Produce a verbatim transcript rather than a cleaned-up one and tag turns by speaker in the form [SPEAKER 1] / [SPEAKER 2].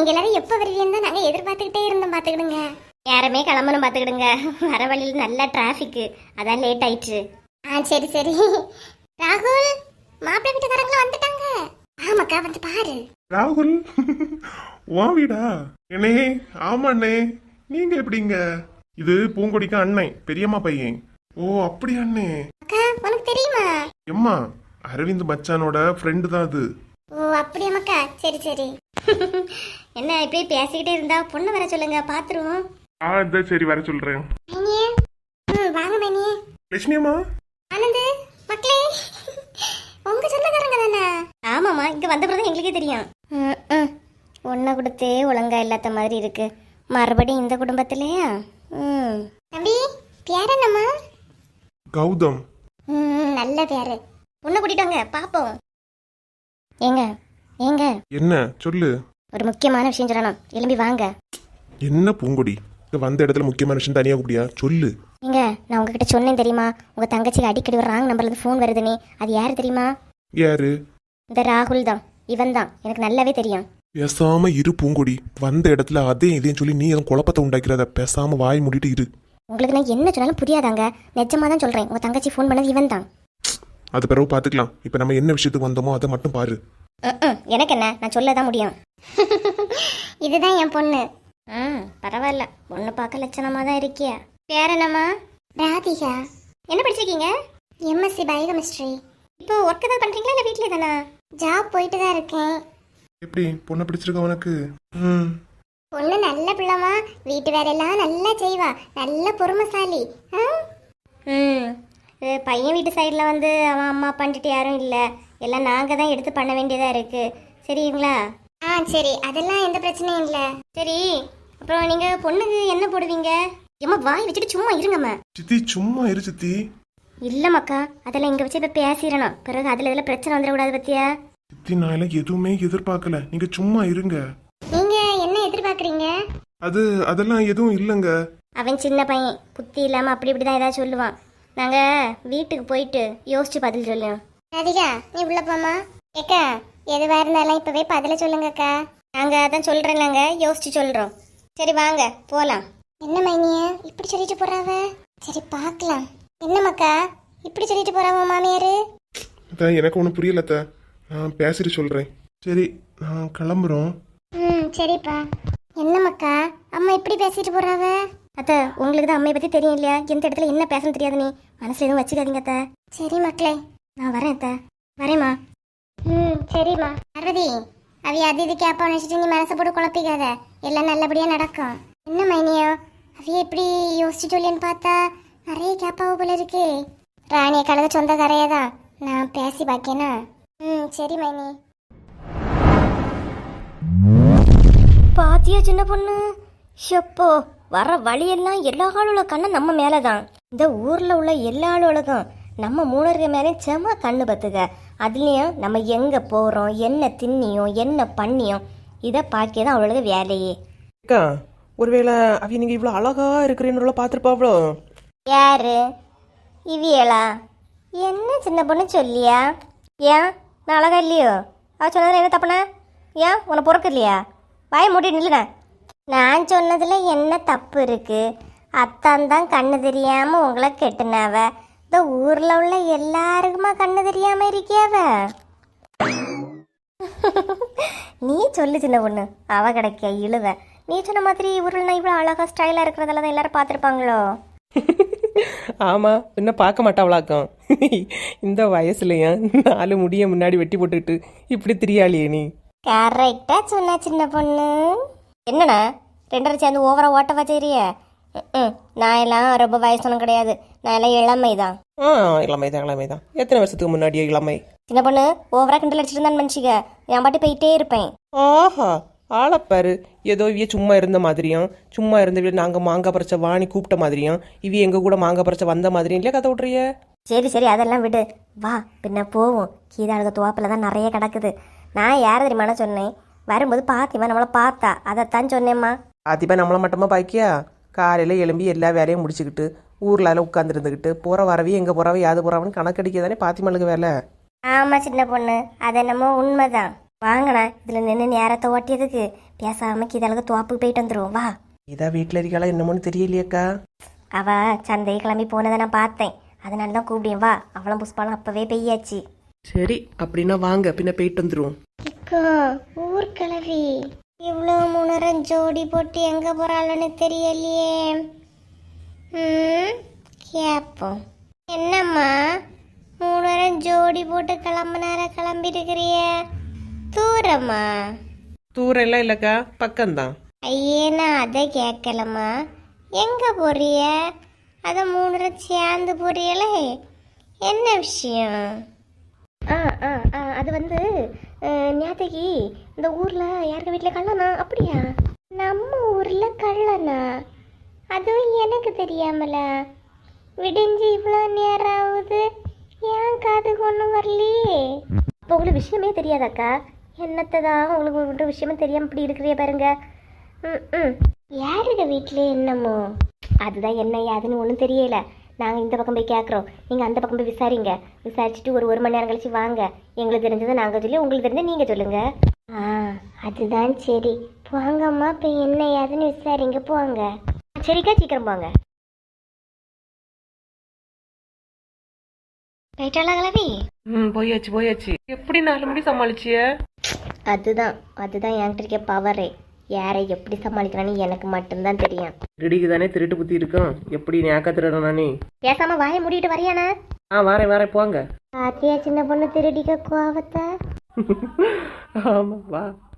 [SPEAKER 1] நீங்க எல்லாரும் எப்ப வருவீங்கன்னு தான் நாங்க எதிர்பார்த்துக்கிட்டே இருந்தோம். பாத்துக்கிடுங்க. யாருமே கிளம்பணும் பாத்துக்கிடுங்க. வர வழியில் நல்ல டிராஃபிக், அதான் லேட் ஆயிடுச்சு. ஆ சரி சரி. ராகுல், மாப்பிள்ளை வீட்டுக்காரங்களும் வந்துட்டாங்க. ஆமாக்கா, வந்து பாரு.
[SPEAKER 2] ராகுல், வா வீடா? அண்ணே, ஆமா அண்ணே. நீங்க எப்படிங்க? இது பூங்கொடிக்கு அண்ணன், பெரியம்மா பையன். ஓ அப்படி அண்ணே.
[SPEAKER 1] அக்கா, உனக்கு தெரியுமா?
[SPEAKER 2] எம்மா, அரவிந்த் மச்சானோட ஃப்ரெண்டு தான் அது.
[SPEAKER 1] ஓ அப்படியாமக்கா, சரி சரி. என்ன இப்படியே பேசிக்கிட்டே இருந்தா பொண்ணு வர சொல்லுங்க, பாத்துருவோம்.
[SPEAKER 2] ஆ இந்த சரி, வர சொல்றேன்.
[SPEAKER 1] மைனியே, ம் வாங்க மைனியே.
[SPEAKER 2] லட்சுமி அம்மா.
[SPEAKER 1] ஆனந்து, மக்களே, உங்க சொந்தக்காரங்க தானே? ஆமாம்மா, இங்க வந்த பிறகு எங்களுக்கே தெரியும். ம் ஒன்றை கொடுத்தே ஒழுங்கா இல்லாத மாதிரி இருக்கு. மறுபடியும் இந்த குடும்பத்திலேயா? ம் தம்பி, பேர் என்னம்மா?
[SPEAKER 2] கௌதம்.
[SPEAKER 1] ம் நல்ல பேரு. பொண்ணை கூட்டிட்டு வாங்க, பாப்போம். ஏங்க ஏங்க,
[SPEAKER 2] என்ன சொல்லு?
[SPEAKER 1] ஒரு முக்கியமான விஷயம் சொல்லணும், எழும்பி வாங்க.
[SPEAKER 2] என்ன பூங்கொடி, இங்க வந்த இடத்துல முக்கியமான விஷயம் தனியா கூப்பிடியா? சொல்லு.
[SPEAKER 1] ஏங்க, நான் உங்ககிட்ட சொன்னேன் தெரியுமா, உங்க தங்கச்சிக்கு அடிக்கடி ஒரு ராங் நம்பர்ல இருந்து ஃபோன் வருதுன்னு. அது யாரு தெரியுமா?
[SPEAKER 2] யாரு?
[SPEAKER 1] இந்த ராகுல் தான். இவன் தான், எனக்கு நல்லாவே தெரியும்.
[SPEAKER 2] பேசாம இரு பூங்கொடி. வந்த இடத்துல அதே இதையும் சொல்லி நீ எதுவும் குழப்பத்தை உண்டாக்கிறத. பேசாம வாய் மூடிட்டு இரு.
[SPEAKER 1] உங்களுக்கு நான் என்ன சொன்னாலும் புரியாதாங்க. நிஜமா தான் சொல்றேன், உங்க தங்கச்சி ஃபோன் பண்ணது இவன் தான்.
[SPEAKER 2] அது பிறகு பாத்துக்கலாம். இப்ப நம்ம என்ன விஷயத்துக்கு வந்தோமோ அதை மட்டும் பாரு.
[SPEAKER 1] எனக்கு என்ன, நான் சொல்லதான் முடியும். இதுதான் என் பொண்ணு. ம் பரவாயில்ல, பொண்ணு பார்க்க லட்சணமா தான் இருக்கியா. பேர் என்னம்மா? ராதிகா. என்ன படிச்சிருக்கீங்க? MSc biochemistry. இப்போ ஒர்க் ஏதாவது பண்றீங்களா இல்ல வீட்லயே தானா? ஜாப் போயிட்டு தான் இருக்கேன்.
[SPEAKER 2] எப்படி பொண்ணை பிடிச்சிருக்க உனக்கு? ம்
[SPEAKER 1] பொண்ணு நல்ல பிள்ளைமா, வீட்டு வேலையெல்லாம் நல்லா செய்வா, நல்ல பொறுமைசாலி. ம் பையன் வீட்டு சைடில் வந்து அவன் அம்மா பண்ணிட்டு யாரும் இல்லை, எல்லாம் நாங்கள் தான் எடுத்து பண்ண வேண்டியதாக இருக்குது. சரிங்களா? ஆ சரி, அதெல்லாம் எந்த பிரச்சனையும் இல்லை. சரி, அப்புறம் நீங்கள் பொண்ணுக்கு என்ன போடுவீங்க? ஏம்மா வாய் வச்சுட்டு சும்மா இருங்கம்மா.
[SPEAKER 2] சித்தி சும்மா இரு சித்தி.
[SPEAKER 1] இல்லைம்மாக்கா, அதெல்லாம் இங்கே வச்சு இப்போ பேசிடணும், பிறகு அதில் இதில் பிரச்சனை வந்துடக்கூடாது பத்தியா?
[SPEAKER 2] சித்தி நான் எல்லாம் எதுவுமே எதிர்பார்க்கல, நீங்க சும்மா இருங்க.
[SPEAKER 1] நீங்க என்ன எதிர்பார்க்குறீங்க?
[SPEAKER 2] அது அதெல்லாம் எதுவும் இல்லைங்க.
[SPEAKER 1] அவன் சின்ன பையன், புத்தி இல்லாமல் அப்படி இப்படி தான் ஏதாவது சொல்லுவான். நாங்கள் வீட்டுக்கு போயிட்டு யோசிச்சு பதில் சொல்லுவோம். ராதிகா, நீ உள்ள போமா. ஏக்கா, எதுவாக இருந்தாலும் இப்போவே பதில சொல்லுங்கக்கா. நாங்கள் அதான் சொல்கிறேன், நாங்கள் யோசிச்சு சொல்கிறோம். சரி வாங்க போகலாம். என்ன மைனிய இப்படி சொல்லிட்டு போறாவ? சரி பார்க்கலாம். என்னம்மாக்கா இப்படி சொல்லிட்டு போறாவ மாமியாரு?
[SPEAKER 2] அதான் எனக்கு ஒன்றும் புரியலத்த, நான் பேசிட்டு சொல்றேன். சரி நான் கிளம்புறோம்.
[SPEAKER 1] ம் சரிப்பா. என்னம்மாக்கா அம்மா இப்படி பேசிட்டு போறாவ? அத்தை, உங்களுக்கு தான் அம்மையை பற்றி தெரியும் இல்லையா, எந்த இடத்துல என்ன பேசணும் தெரியாது, நீ மனசில் எதுவும் வச்சுக்காதீங்க அத்தை. சரி மக்களே, நான் வரேன் அத்தை. வரேம்மா. ம் சரிம்மா. பார்வதி, அவைய அது இது கேப்பா நினச்சிட்டு நீ மனசை போட்டு குழப்பிக்காத, எல்லாம் நல்லபடியாக நடக்கும். என்ன மைனியோ, அவைய இப்படி யோசிச்சு சொல்லின்னு பார்த்தா நிறைய கேப்பாவோ போல இருக்கு. ராணியை கலக சொந்த கரையை தான் நான் பேசி பார்க்கேனா? ம் சரி மைனி. பாத்தியா சின்ன பொண்ணு, ஷப்போ வர வழியெல்லாம் எல்லா ஆளோட கண்ணும் நம்ம மேலே தான். இந்த ஊரில் உள்ள எல்லா ஆளோடக்கும் நம்ம மூணருக்கு மேலே செம கண்ணு பத்துக்க. அதுலேயும் நம்ம எங்கே போகிறோம், என்ன தின்னியும் என்ன பண்ணியும், இதை பார்க்க தான் அவளோட வேலையே.
[SPEAKER 3] அக்கா, ஒருவேளை அவைய நீங்கள் இவ்வளோ அழகா இருக்கிறேன்னு பார்த்துருப்பாவளோ?
[SPEAKER 1] யாரு இவியலா? என்ன சின்ன பொண்ணு சொல்லியா? ஏன் நான் அழகா இல்லையோ? அவ சொன்னதில் என்ன தப்புனா? ஏன் உன்னை பொறுக்கு இல்லையா? வாய மூட்டி நில்லுங்க. நான் சொன்னதுல என்ன தப்பு இருக்கு? அத்தான் தான் கண்ணு தெரியாம உங்களை கெட்டுனாவ, இந்த ஊர்ல உள்ள எல்லாருக்குமா கண்ணு தெரியாம இருக்கியாவ? நீ சொல்லு சின்ன பொண்ணு, அவ கிடைக்க இழுவ. நீ சொன்ன மாதிரி ஊரில் நான் இவ்வளோ அழகா ஸ்டைலா இருக்கிறதெல்லாம் தான் எல்லாரும் பார்த்துருப்பாங்களோ?
[SPEAKER 3] ஆமாம், இன்னும் பார்க்க மாட்டாவளாக்கம். இந்த வயசுலையா நாலு முடிய முன்னாடி வெட்டி போட்டுக்கிட்டு இப்படி திரியாளியே நீ?
[SPEAKER 1] கரெக்டா சொன்ன சின்ன பொண்ணு. என்னண்ணா ரெண்டரை சேர்ந்து ஓவரா ஓட்ட வச்சிரிய? ம் நான் எல்லாம் ரொம்ப வயசானும் கிடையாது, நான் எல்லாம் இளமை தான்.
[SPEAKER 3] ஆ இளமை தான் இளமை தான். எத்தனை வருஷத்துக்கு முன்னாடியே இளமை?
[SPEAKER 1] சின்ன பொண்ணு ஓவரா கிண்டல் அடிச்சிட்டு இருந்தான்னு மனுஷிக்க, என் பாட்டி போயிட்டே இருப்பேன்.
[SPEAKER 3] ஆஹா, ஆளப்பாரு, ஏதோ இவிய சும்மா இருந்த மாதிரியும், சும்மா இருந்த நாங்கள் மாங்காய் பறிச்ச வாணி கூப்பிட்ட மாதிரியும், இவிய எங்கள் கூட மாங்காய் பறிச்ச வந்த மாதிரியும் இல்லையா கதை விட்றிய?
[SPEAKER 1] சரி சரி அதெல்லாம் விடு, வா பின்ன போவோம். கீதாளுக துவாப்பில் தான் நிறைய கிடக்குது. நான் யார் தெரியுமாண்ணா சொன்னேன், வரும்போது பாத்திமா நம்மளை பார்த்தா, அதைத்தான் சொன்னேம்மா.
[SPEAKER 3] பாத்திமா நம்மளை மட்டுமா பாக்கியா? காலையில் எழும்பி எல்லா வேலையும் முடிச்சுக்கிட்டு ஊரில் உட்காந்துருந்துக்கிட்டு போகிற வரவே எங்கே போகிறவ யாது போகிறவன்னு கணக்கடிக்க தானே பாத்திமாளுக்கு வேலை.
[SPEAKER 1] ஆமாம் சின்ன பொண்ணு, அது என்னமோ உண்மைதான். வாங்கண்ணா இதில் நின்று நேரத்தை ஓட்டியதுக்கு பேசாம இதழகு தோப்புக்கு போயிட்டு வந்துடும் வா.
[SPEAKER 3] இதா வீட்டில் இருக்காளா என்னமோன்னு தெரியலையேக்கா.
[SPEAKER 1] அவ சந்தை கிளம்பி போனதை நான் பார்த்தேன், அதனால தான் கூப்பிட்டேன். வா, அவளும் புஷ்பாலும் அப்பவே பெய்யாச்சு.
[SPEAKER 3] சரி அப்படின்னா வாங்க, பின்ன போயிட்டு வந்துடும்.
[SPEAKER 1] ஊர் கிளவி இவ்வளோ முன்னரம் ஜோடி போட்டு எங்க போறாள்னு தெரியலையே. ம் கேப்போம். என்னம்மா மூணரம் ஜோடி போட்டு கிளம்புனார கிளம்பி இருக்கிறிய? தூரம்மா?
[SPEAKER 3] தூரம் எல்லாம் இல்லைக்கா, பக்கம்தான்.
[SPEAKER 1] ஐயே நான் அதை கேட்கலம்மா. எங்க போறிய? அதை மூணரம் சேர்ந்து போறியலே, என்ன விஷயம்? ஆ ஆ ஆ அது வந்து நேத்தைக்கு இந்த ஊரில் யாருக்கு வீட்டில் கள்ளனா? அப்படியா? நம்ம ஊரில் கள்ளனா? அதுவும் எனக்கு தெரியாமல. விடிஞ்சு இவ்வளோ நேரம் ஆகுது, ஏன் காதுக்கு ஒன்றும் வரலையே? அப்போ உங்களுக்கு விஷயமே தெரியாதாக்கா? என்னத்தை தான் உங்களுக்கு ஒரு விஷயமே தெரியாமல் இப்படி இருக்கிறிய பாருங்க. ம் ம் யாருங்க வீட்டில் என்னமோ? அதுதான் என்ன யாதுன்னு ஒன்றும் தெரியல. நாங்கள் இந்த பக்கம் போய் கேட்குறோம், நீங்கள் அந்த பக்கம் போய் விசாரிங்க. விசாரிச்சுட்டு ஒரு ஒரு மணி நேரம் கழிச்சு வாங்க. எங்களுக்கு தெரிஞ்சதை நாங்கள் சொல்லி, உங்களுக்கு தெரிஞ்சதை நீங்கள் சொல்லுங்கள். ஆ அதுதான் சரி. போங்கம்மா, இப்போ என்ன ஏதுன்னு விசாரிங்க. போங்க. சரிக்கா, சீக்கிரம் போங்க. போயிட்டாளா கிளவி?
[SPEAKER 3] ம் போயாச்சு போயாச்சு. எப்படி நாலு மணி சமாளிச்சிய?
[SPEAKER 1] அதுதான் அதுதான் என்கிட்ட இருக்க பவரே. யாரை எப்படி சமாளிக்கிறான்னு எனக்கு மட்டும்தான் தெரியும்.
[SPEAKER 3] ரெடிக்கு தானே திருட்டு புத்தி இருக்கும். எப்படி நேக்கா திருடனா நீ?
[SPEAKER 1] பேசாம வாயை மூடிட்டு வரியானா?
[SPEAKER 3] ஆ வரேன் வரேன் போங்க.
[SPEAKER 1] பாத்தியா சின்ன பொண்ணு திருடிக்க கோவத்தை?
[SPEAKER 3] ஆமா வா.